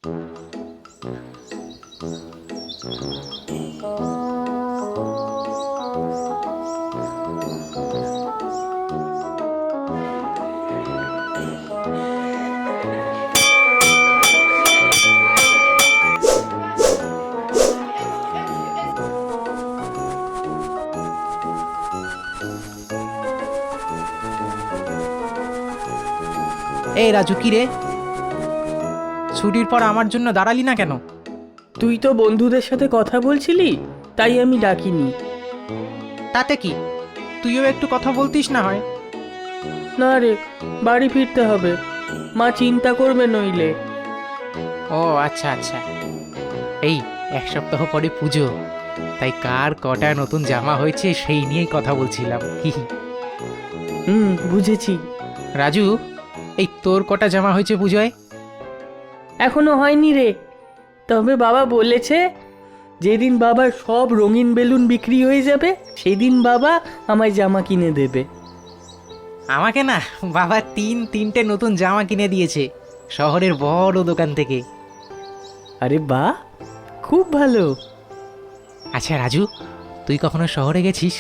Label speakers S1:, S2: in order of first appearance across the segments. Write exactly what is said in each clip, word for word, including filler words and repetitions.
S1: এই রাজু, কি রে, ছুটির পর আমার জন্য দাঁড়ালি না কেন?
S2: তুই তো বন্ধুদের সাথে কথা বলছিলি, তাই আমি ডাকিনি।
S1: তাতে কি, তুইও একটু কথা বলতিস না হয়?
S2: না রে, বাড়ি ফিরতে হবে, মা চিন্তা করবে নইলে।
S1: ও আচ্ছা আচ্ছা। এই এক সপ্তাহ পরে পুজো, তাই কার কটা নতুন জামা হয়েছে সেই নিয়েই কথা বলছিলাম।
S2: হুম, বুঝেছি।
S1: রাজু, এই তোর কটা জামা হয়েছে পুজোয়?
S2: এখনো হয়নি রে, তবে বাবা বলেছে যেদিন বাবার সব রঙিন বেলুন বিক্রি হয়ে যাবে সেদিন বাবা আমায় জামা কিনে দেবে।
S1: আমাকে না, বাবা তিন তিনটে নতুন জামা কিনে দিয়েছে শহরের বড় দোকান থেকে।
S2: আরে বাহ, খুব ভালো।
S1: আচ্ছা রাজু, তুই কখনো শহরে গেছিস?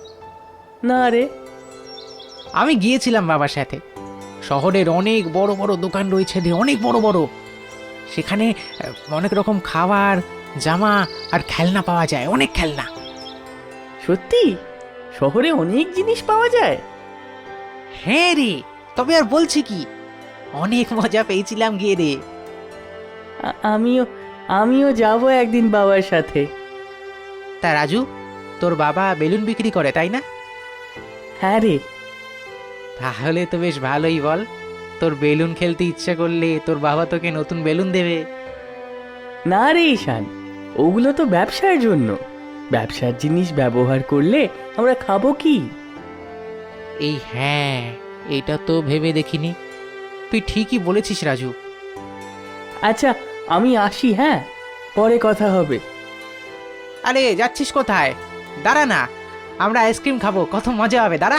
S2: না রে।
S1: আমি গিয়েছিলাম বাবার সাথে। শহরের অনেক বড় বড় দোকান রয়েছে রে, অনেক বড় বড়। সেখানে অনেক রকম খাবার, জামা আর খেলনা পাওয়া যায়, অনেক খেলনা।
S2: সত্যি শহরে অনেক জিনিস পাওয়া যায়?
S1: হ্যাঁ রে, তবে আর বলছি কি, অনেক মজা পেয়েছিলাম গিয়ে রে।
S2: আ- আমিও আমিও যাব একদিন বাবার সাথে।
S1: তা রাজু, তোর বাবা বেলুন বিক্রি করে তাই না?
S2: হ্যাঁ রে।
S1: তাহলে তো বেশ ভালোই। বল, তোর বেলুন খেলতে ইচ্ছা করলে তোর বাবা তোকে নতুন বেলুন দেবে।
S2: না রে ঈশান, ওগুলো তো ব্যবসার জন্য। ব্যবসার জিনিস ব্যবহার করলে আমরা খাবো কি?
S1: এই হ্যাঁ, এটা তো ভেবে দেখিনি। তুই ঠিকই বলেছিস রাজু।
S2: আচ্ছা, আমি আসি, হ্যাঁ, পরে কথা হবে।
S1: আরে যাচ্ছিস কোথায়? দাঁড়া না, আমরা আইসক্রিম খাবো, কত মজা হবে, দাঁড়া।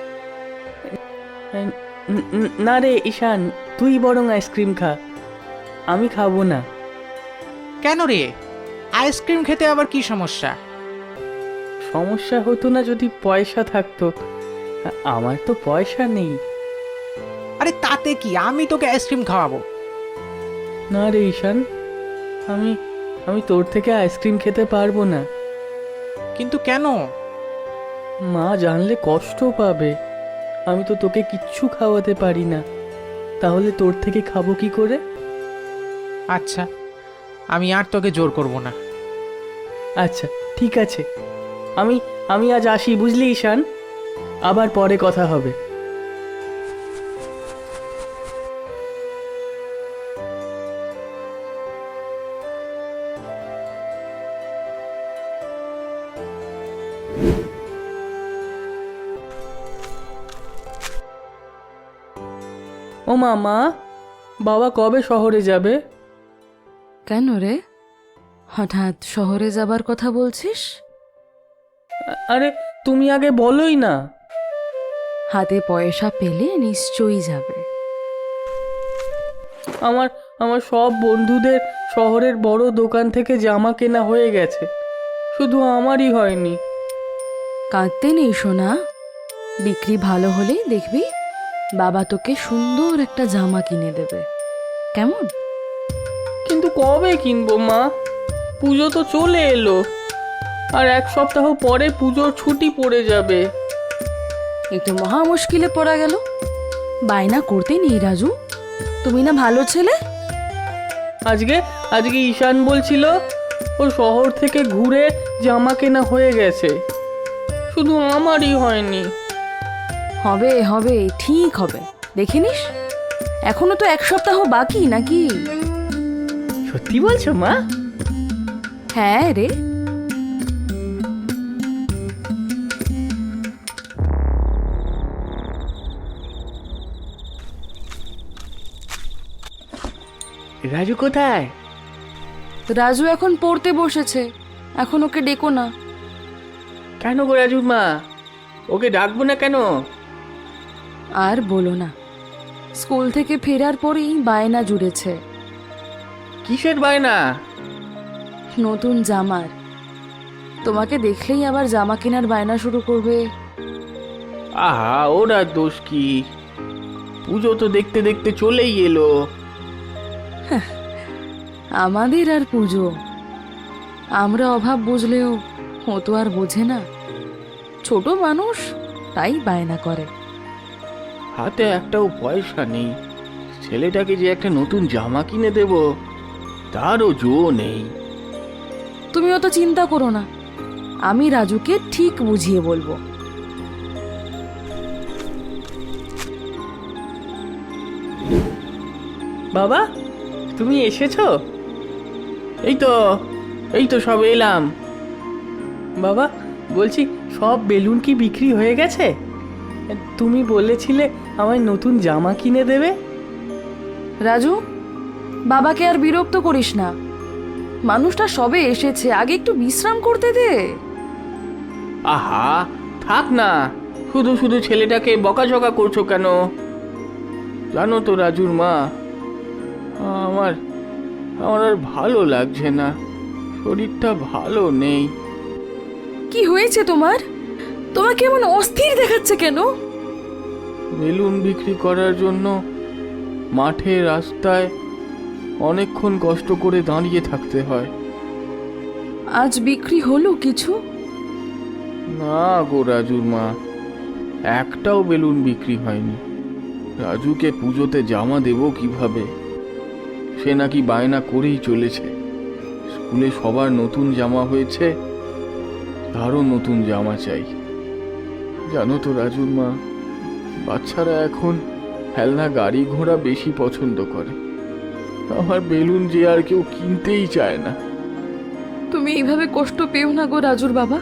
S2: ন- ন- না রে ঈশান, তুই বরং আইসক্রিম খা, আমি খাবো না।
S1: কেন রে, আইসক্রিম খেতে আবার কি সমস্যা?
S2: সমস্যা হতো না যদি পয়সা থাকতো, আ- আমার তো পয়সা নেই।
S1: আরে তাতে কি, আমি তোকে আইসক্রিম খাওয়াবো।
S2: না রে ঈশান, আমি আমি তোর থেকে আইসক্রিম খেতে পারবো না।
S1: কিন্তু কেন?
S2: মা জানলে কষ্ট পাবে। আমি তো তোকে কিচ্ছু খাওয়াতে পারি না, তাহলে তোর থেকে খাবো কি করে?
S1: আচ্ছা, আমি আর তোকে জোর করব না।
S2: আচ্ছা ঠিক আছে, আমি আমি আজ আসি, বুঝলি ঈশান, আবার পরে কথা হবে। ও মামা, বাবা কবে শহরে যাবে?
S3: কেন রে, হঠাৎ শহরে যাবার কথা বলছিস?
S2: আ- আরে তুমি আগে বলোই না।
S3: হাতে পয়সা পেলে নিশ্চয়ই যাবে।
S2: আমার আমার সব বন্ধুদের শহরের বড় দোকান থেকে জামা কেনা হয়ে গেছে, শুধু আমারই হয়নি।
S3: কাঁদতে নেই সোনা, বিক্রি ভালো হলে দেখবি বাবা তোকে সুন্দর একটা জামা কিনে দেবে, কেমন?
S2: কিন্তু কবে কিনবো মা? পুজো তো চলে এলো, আর এক সপ্তাহ পরে পুজোর ছুটি পড়ে যাবে।
S3: এই তো মহা মুশকিলে পড়া গেল। বায়না করতে নেই রাজু, তুমি না ভালো ছেলে।
S2: আজকে আজকে ঈশান বলছিল ও শহর থেকে ঘুরে জামা কেনা হয়ে গেছে, শুধু আমারই হয়নি।
S3: হবে হবে, ঠিক হবে, দেখে নিস। এখনো তো এক সপ্তাহ বাকি নাকি?
S2: সত্যি বলছো মা?
S3: হ্যাঁ রে।
S2: রাজু কোথায়?
S3: রাজু এখন পড়তে বসেছে, এখন ওকে ডেকো না।
S2: কেন গো রাজু মা, ওকে ডাকবো না কেন?
S3: আর বলো না, স্কুল থেকে ফেরার পরেই বায়না জুড়েছে।
S2: কি কিসের বায়না?
S3: নতুন জামার। তোমাকে দেখলেই আবার জামা কেনার বায়না শুরু করবে।
S2: আহা, ওরা দোষ কি? পুজো তো দেখতে দেখতে চলেই এলো।
S3: আমাদের আর পুজো, আমরা অভাব বুঝলেও ও তো আর বোঝে না। ছোট মানুষ, তাই বায়না করে।
S2: হাতে একটাও পয়সা নেই, ছেলেটাকে যে একটা নতুন জামা কিনে দেব তারও জো নেই।
S3: তুমি অত চিন্তা করো না, আমি রাজুকে ঠিক বুঝিয়ে বলবো।
S2: বাবা, তুমি এসেছো? এই তো এই তো সব এলাম। বাবা, বলছি সব বেলুন কি বিক্রি হয়ে গেছে? তুমি বলেছিলে আমায় নতুন জামা কিনে দেবে।
S3: রাজু, বাবাকে আর বিরক্ত করিস না। মানুষটা সবে এসেছে, আগে একটু বিশ্রাম করতে দে।
S2: আহা, থাক না, শুধু শুধু ছেলেটাকে বকাঝকা করছো কেন? জানো তো রাজুর মা, আমার আমার আর ভালো লাগছে না, শরীরটা ভালো নেই।
S3: কি হয়েছে তোমার? তোমাকে এমন অস্থির দেখাচ্ছে কেন?
S2: বেলুন বিক্রি করার জন্য মাঠে রাস্তায় অনেকক্ষণ কষ্ট করে দাঁড়িয়ে থাকতে হয়।
S3: আজ বিক্রি হলো কিছু?
S2: না গো রাজুর মা, একটাও বেলুন বিক্রি হয়নি। রাজুকে পুজোতে জামা দেব কিভাবে? সে নাকি বায়না করেই চলেছে। স্কুলে সবার নতুন জামা হয়েছে, তারও নতুন জামা চাই। জানো তো রাজুর মা, বাচ্চারা এখন খেলনা গাড়ি ঘোড়া বেশি পছন্দ করে। আমার বেলুন যে আর কেউ কিনতেই চায় না।
S3: তুমি এইভাবে কষ্ট পেও না গো রাজুর বাবা।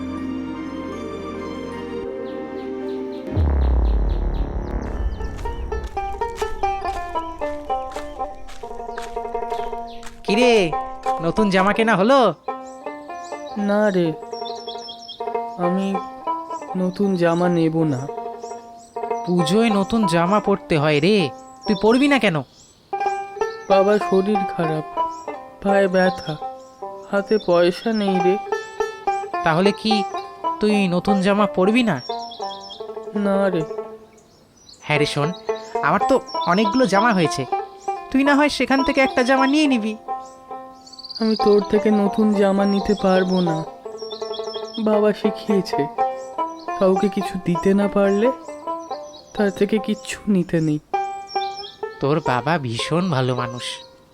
S1: কিরে, নতুন জামা কেনা হলো?
S2: না রে, আমি নতুন জামা নেব না।
S1: পুজোয় নতুন জামা পরতে হয় রে, তুই পরবি না কেন?
S2: বাবার শরীর খারাপ, পায়ে ব্যথা, হাতে পয়সা নেই রে।
S1: তাহলে কি তুই নতুন জামা পরবি না?
S2: না রে।
S1: হ্যাঁ রে শোন, আমার তো অনেকগুলো জামা হয়েছে, তুই না হয় সেখান থেকে একটা জামা নিয়ে নিবি।
S2: আমি তোর থেকে নতুন জামা নিতে পারবো না। বাবা শিখিয়েছে, কাউকে কিছু দিতে না পারলে তার থেকে কিচ্ছু নিতে নেই।
S1: তোর বাবা ভীষণ ভালো মানুষ।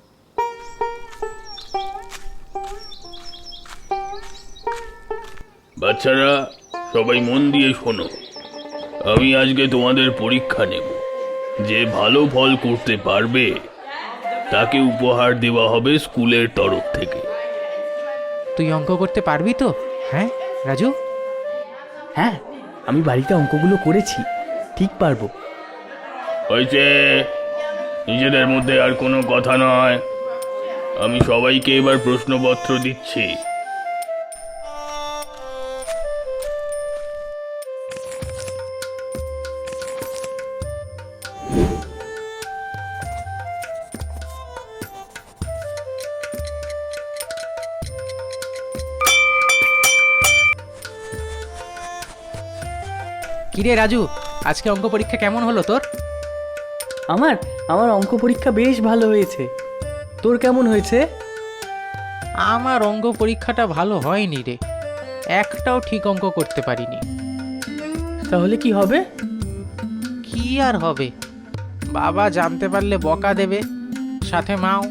S4: বাচ্চারা, সবাই মন দিয়ে শোনো। আমি আজকে তোমাদের পরীক্ষা নেব। যে ভালো ফল করতে পারবে তাকে উপহার দেওয়া হবে স্কুলের তরফ থেকে।
S1: তুই অঙ্ক করতে পারবি তো? হ্যাঁ রাজু?
S2: হ্যাঁ, আমি বাড়িতে অঙ্কগুলো করেছি, ঠিক পারবো।
S4: হয়েছে, নিজেদের মধ্যে আর কোনো কথা নয়। আমি সবাইকে এবার প্রশ্নপত্র দিচ্ছি।
S1: কিরে রাজু, আজকে অঙ্ক পরীক্ষা কেমন হলো তোর?
S2: আমার আমার অঙ্ক পরীক্ষা বেশ ভালো হয়েছে। তোর কেমন হয়েছে?
S1: আমার অঙ্ক পরীক্ষাটা ভালো হয়নি রে, একটাও ঠিক অঙ্ক করতে পারিনি।
S2: তাহলে কি হবে?
S1: কি আর হবে, বাবা জানতে পারলে বকা দেবে, সাথে মাও।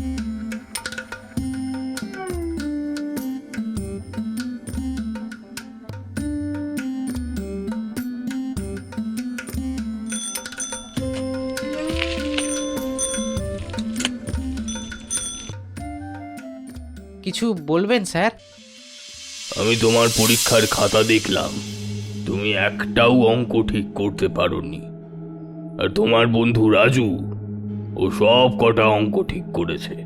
S1: কিছু বলবেন স্যার?
S4: আমি তোমার পরীক্ষার খাতা দেখলাম, তুমি একটাও অঙ্ক ঠিক করতে পারোনি। আর তোমার বন্ধু রাজু, ও সব কটা অঙ্ক ঠিক করেছে।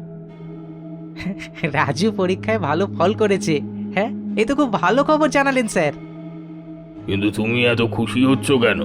S1: রাজু পরীক্ষায় ভালো ফল করেছে? হ্যাঁ, এই তো খুব ভালো খবর জানালেন স্যার।
S4: কিন্তু তুমি এত খুশি হচ্ছ কেন?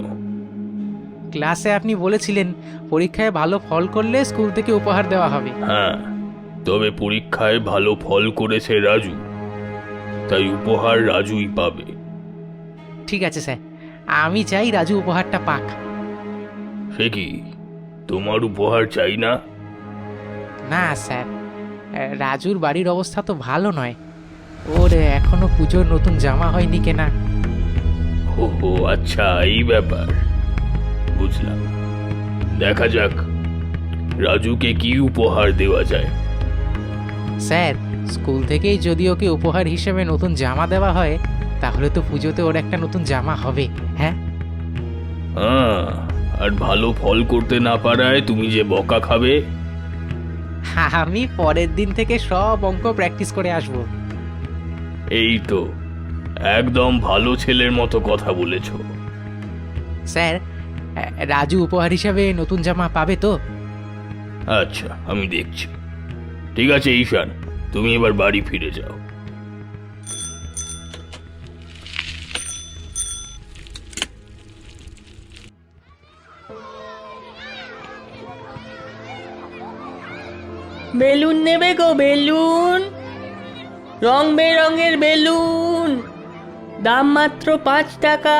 S1: ক্লাসে আপনি বলেছিলেন পরীক্ষায় ভালো ফল করলে স্কুল থেকে উপহার দেওয়া হবে।
S4: হ্যাঁ, তবে পরীক্ষায় ভালো ফল করেছে রাজু, তাই উপহার রাজুই পাবে।
S1: ঠিক আছে স্যার, আমি চাই রাজু উপহারটা পাক।
S4: সে কি, তোমার উপহার চাই না?
S1: না স্যার, রাজুর বাড়ির অবস্থা তো ভালো নয়। ওর এখনো পুজোর নতুন জামা হয়নি কেনা।
S4: ও হো, আচ্ছা এই ব্যাপার, বুঝলাম। দেখা যাক রাজুকে কি উপহার দেওয়া যায়।
S1: স্যার, স্কুল থেকেই যদি ওকে উপহার হিসেবে নতুন জামা দেওয়া হয়, তাহলে তো পুজোতে ওর একটা নতুন জামা হবে। হ্যাঁ
S4: হ্যাঁ, আর ভালো ফল করতে না পারায় তুমি যে বকা খাবে।
S1: আমি পরের দিন থেকে সব অঙ্ক প্র্যাকটিস করে আসব।
S4: এই তো একদম ভালো ছেলের মতো কথা বলেছ।
S1: স্যার, রাজু উপহার হিসাবে নতুন জামা পাবে তো?
S4: আচ্ছা, আমি দেখছি। ঠিক আছে ঈশান, তুমি এবার বাড়ি ফিরে যাও।
S5: বেলুন নেবে গো, বেলুন, রং বেরঙের বেলুন, দাম মাত্র পাঁচ টাকা।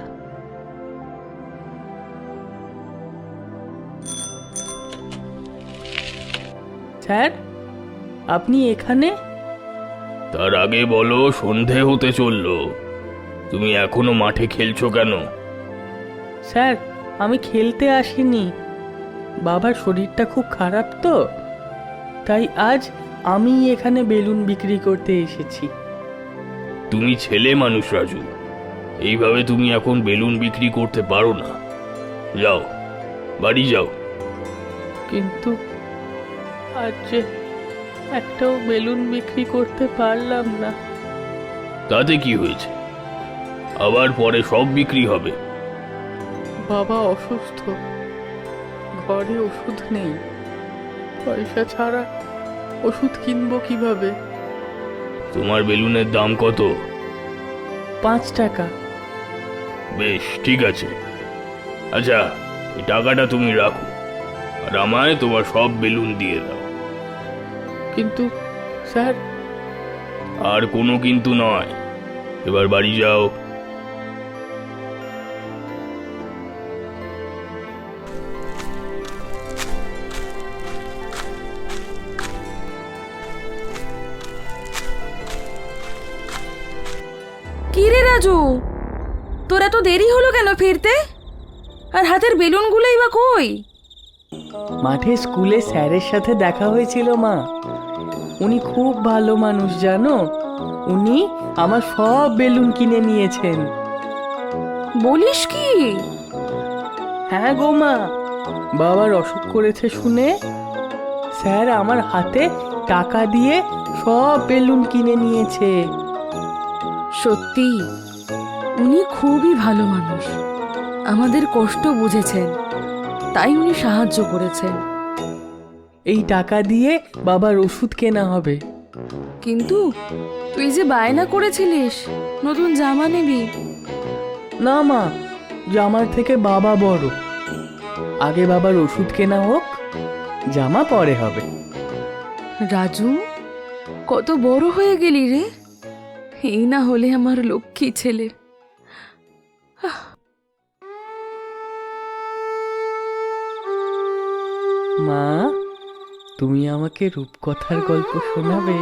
S5: স্যার, আপনি এখানে?
S4: তার আগে বলো, সন্ধে হতে চললো, তুমি এখনো মাঠে খেলছো কেন?
S5: স্যার, আমি খেলতে আসিনি, বাবার শরীরটা খুব খারাপ তো, তাই আজ আমি এখানে বেলুন বিক্রি করতে এসেছি।
S4: তুমি ছেলে মানুষ রাজু, এইভাবে তুমি এখন বেলুন বিক্রি করতে পারো না। যাও, বাড়ি যাও।
S5: কিন্তু আজ যে একটাও বেলুন বিক্রি করতে পারলাম না।
S4: তাতে কি হয়েছে, আবার পরে সব বিক্রি হবে।
S5: বাবা অসুস্থ, ঘরে ওষুধ নেই, পয়সা ছাড়া ওষুধ কিনবো কিভাবে?
S4: তোমার বেলুনের দাম কত?
S5: পাঁচ টাকা।
S4: বেশ, ঠিক আছে। আচ্ছা, এই টাকাটা তুমি রাখো, আর আমায় তোমার সব বেলুন দিয়ে দাও।
S5: কিন্তু স্যার,
S4: আর কোনো কিন্তু নয়, এবার বাড়ি যাও।
S3: কি রে রাজু, তোর এত দেরি হলো কেন ফিরতে? আর হাতের বেলুনগুলোই বা কই?
S5: মাঠে স্কুলে স্যারের সাথে দেখা হয়েছিল মা, উনি খুব ভালো মানুষ জানো, উনি আমার সব বেলুন কিনে নিয়েছেন।
S3: বলিস কি?
S5: হ্যাঁ গো মা, বাবার অসুখ করেছে শুনে স্যার আমার হাতে টাকা দিয়ে সব বেলুন কিনে নিয়েছে।
S3: সত্যি, উনি খুবই ভালো মানুষ, আমাদের কষ্ট বুঝেছেন, তাই উনি সাহায্য করেছেন।
S5: এই টাকা দিয়ে বাবার ওষুধ কেনা হবে।
S3: কিন্তু তুই যে বায়না করেছিলিস নতুন জামা নিবি।
S5: না মা, জামার থেকে বাবা বড়, আগে বাবার ওষুধ কেনা হোক, জামা পরে হবে।
S3: রাজু, কত বড় হয়ে গেলি রে, এই না হলে আমার লক্ষ্মী ছেলে।
S5: মা, তুমি আমাকে রূপকথার গল্প শোনাবে?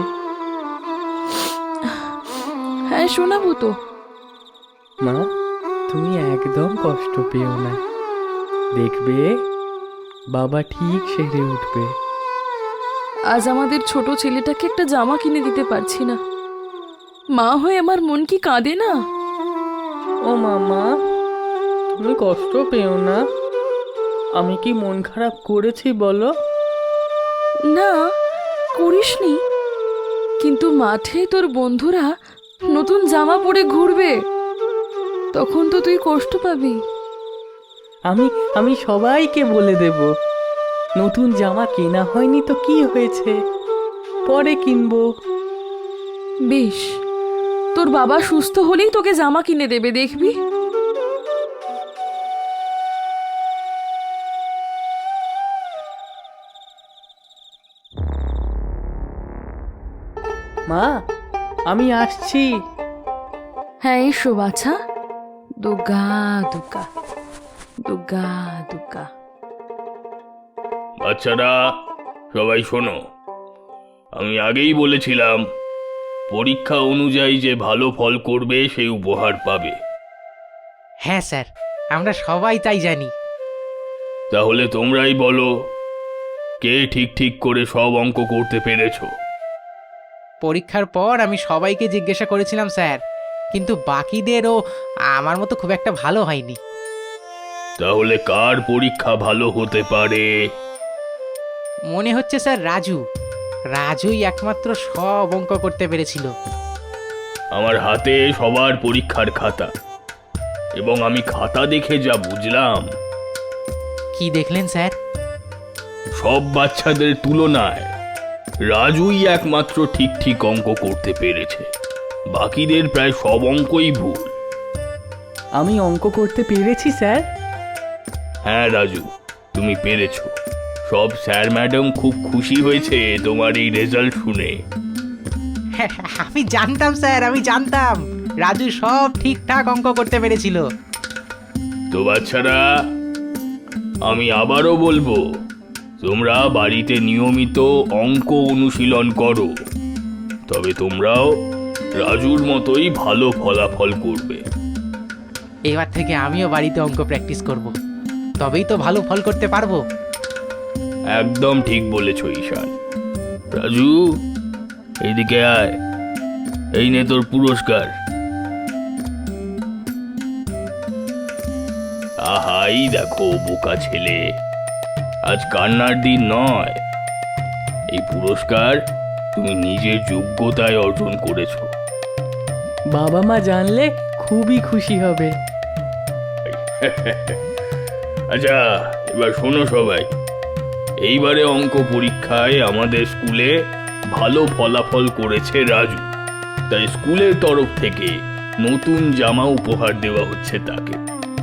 S3: হ্যাঁ, শোনাবো তো।
S5: মা, তুমি একদম কষ্ট পেও না, দেখবে বাবা ঠিক সেরে উঠবে।
S3: আজ আমাদের ছোট ছেলেটাকে একটা জামা কিনে দিতে পারছি না, মা হয়ে আমার মন কি কাঁদে না?
S5: ও মামা, তুমি কষ্ট পেও না, আমি কি মন খারাপ করেছি বলো?
S3: না, করিসনি, কিন্তু মাঠে তোর বন্ধুরা নতুন জামা পরে ঘুরবে, তখন তো তুই কষ্ট পাবি।
S5: আমি আমি সবাইকে বলে দেব, নতুন জামা কেনা হয়নি তো কি হয়েছে, পরে কিনবো।
S3: বেশ, তোর বাবা সুস্থ হলেই তোকে জামা কিনে দেবে, দেখবি।
S5: মা আমি আসছি।
S3: হ্যাঁ এসো বাছা। দুর্গা দুর্গা দুর্গা দুর্গা।
S4: বাচ্চারা সবাই শোনো, আমি আগেই বলেছিলাম পরীক্ষা অনুযায়ী যে ভালো ফল করবে সেই উপহার পাবে।
S1: হ্যাঁ স্যার, আমরা সবাই তাই জানি।
S4: তাহলে তোমরাই বলো, কে ঠিক ঠিক করে সব অঙ্ক করতে পেরেছো?
S1: পরীক্ষার পর আমি সবাইকে জিজ্ঞাসা করেছিলাম স্যার, কিন্তু বাকিদেরও আমার মতো খুব একটা ভালো হয়নি।
S4: তাহলে কার পরীক্ষা ভালো হতে পারে?
S1: মনে হচ্ছে স্যার রাজু রাজুই একমাত্র সব অঙ্ক করতে পেরেছিল।
S4: আমার হাতে সবার পরীক্ষার খাতা, এবং আমি খাতা দেখে যা বুঝলাম,
S1: কি দেখলেন স্যার?
S4: সব বাচ্চাদের তুলনায় রাজুই একমাত্র ঠিক ঠিক অঙ্ক করতে পেরেছে। বাকিদের প্রায় সব অঙ্কই ভুল।
S5: আমি অঙ্ক করতে পেরেছি স্যার।
S4: হ্যাঁ রাজু, তুমি পেরেছো। সব স্যার ম্যাডাম খুব খুশি হয়েছে তোমার এই রেজাল্ট শুনে।
S1: আমি জানতাম স্যার, আমি জানতাম রাজু সব ঠিকঠাক অঙ্ক করতে পেরেছিল।
S4: তো বাচ্চারা, আমি আবারও বলবো, তোমরা বাড়িতে নিয়মিত অঙ্ক অনুশীলন করো, তবে তোমরাও রাজুর মতোই ভালো ফলাফল করবে।
S1: এবার থেকে আমিও বাড়িতে অঙ্ক প্র্যাকটিস করব, তবেই তো ভালো ফল করতে পারবো।
S4: একদম ঠিক বলেছ ঈশান। রাজু, এইদিকে আয়, এই নে তোর পুরস্কার। আহাই দেখো বোকা ছেলে, আজ কান্নার দিন নয়। এই পুরস্কার তুমি নিজের যোগ্যতায় অর্জন করেছো।
S5: বাবা মা জানলে খুবই খুশি হবে।
S4: আচ্ছা, এবার শোনো সবাই, এইবারে অঙ্ক পরীক্ষায় আমাদের স্কুলে ভালো ফলাফল করেছে রাজু, তাই স্কুলের তরফ থেকে নতুন জামা উপহার দেওয়া হচ্ছে তাকে।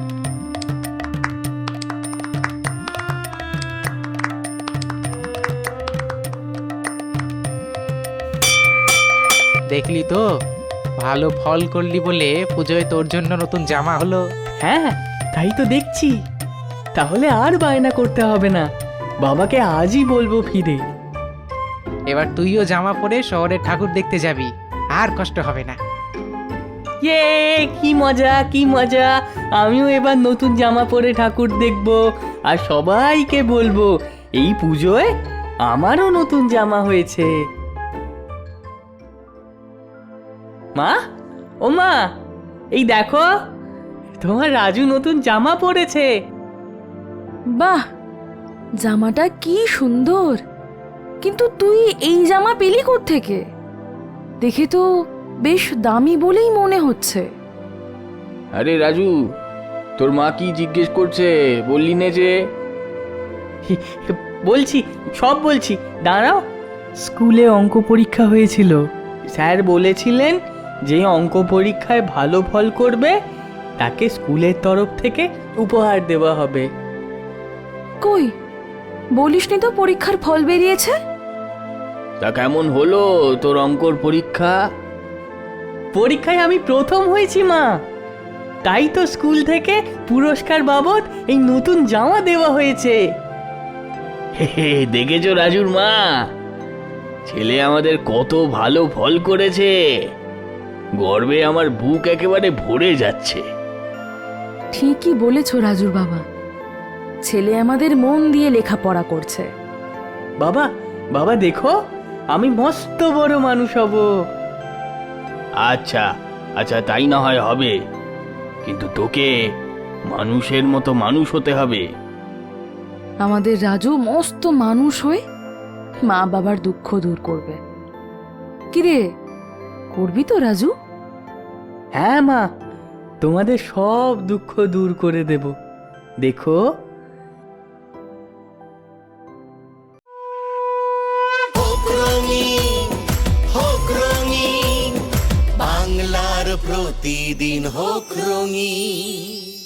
S1: দেখলি তো, ভালো ফল করলি বলে পুজোয় তোর জন্য নতুন জামা হলো।
S5: হ্যাঁ তাই তো দেখছি। তাহলে আর বায়না করতে হবে না, বাবাকে আজই বলবো ফিরে।
S1: এবার তুইও জামা পরে শহরের ঠাকুর দেখতে যাবি, আর কষ্ট হবে না।
S5: ইয়ে, কি মজা কি মজা! আমিও এবার নতুন জামা পরে ঠাকুর দেখব, আর সবাইকে বলবো এই পুজোয় আমারও নতুন জামা হয়েছে। মা, ও মা, এই দেখো তোমার রাজু নতুন জামা পরেছে।
S3: বাহ, জামাটা কি সুন্দর! কিন্তু তুই এই জামা পেলি কোত্থেকে? দেখে তো বেশ দামি বলেই মনে হচ্ছে।
S2: আরে রাজু, তোর মা কি জিজ্ঞেস করছে বললি না যে?
S5: বলছি, সব বলছি, দাঁড়াও। স্কুলে অঙ্ক পরীক্ষা হয়েছিল, স্যার বলেছিলেন যে অঙ্ক পরীক্ষায় ভালো ফল করবে তাকে স্কুলের তরফ থেকে উপহার দেওয়া হবে।
S3: কই, বলিসনি তো পরীক্ষার ফল বেরিয়েছে?
S2: তা কেমন হলো তোর অঙ্কর পরীক্ষা?
S5: পরীক্ষায় আমি প্রথম হয়েছি মা, তাই তো স্কুল থেকে পুরস্কার বাবদ এই নতুন জামা দেওয়া হয়েছে।
S2: হে, দেখেছো রাজুর মা, ছেলে আমাদের কত ভালো ফল করেছে। গর্বে আমার বুক একেবারে ভরে যাচ্ছে।
S3: ঠিকই বলেছ রাজুর বাবা, ছেলে আমাদের মন দিয়ে লেখাপড়া করছে।
S5: বাবা, বাবা দেখো, আমি মস্ত বড় মানুষ হব।
S2: আচ্ছা আচ্ছা, তাই না হয় হবে, কিন্তু তোকে মানুষের মতো মানুষ হতে হবে।
S3: আমাদের রাজু মস্ত মানুষ হয়ে মা বাবার দুঃখ দূর করবে। কিরে, করবি তো রাজু?
S5: হ্যাঁ মা, তোমাদের সব দুঃখ দূর করে দেব, দেখো।
S6: হোক রঙিন, হোক রঙিন, বাংলার প্রতিদিন হোক রঙিন।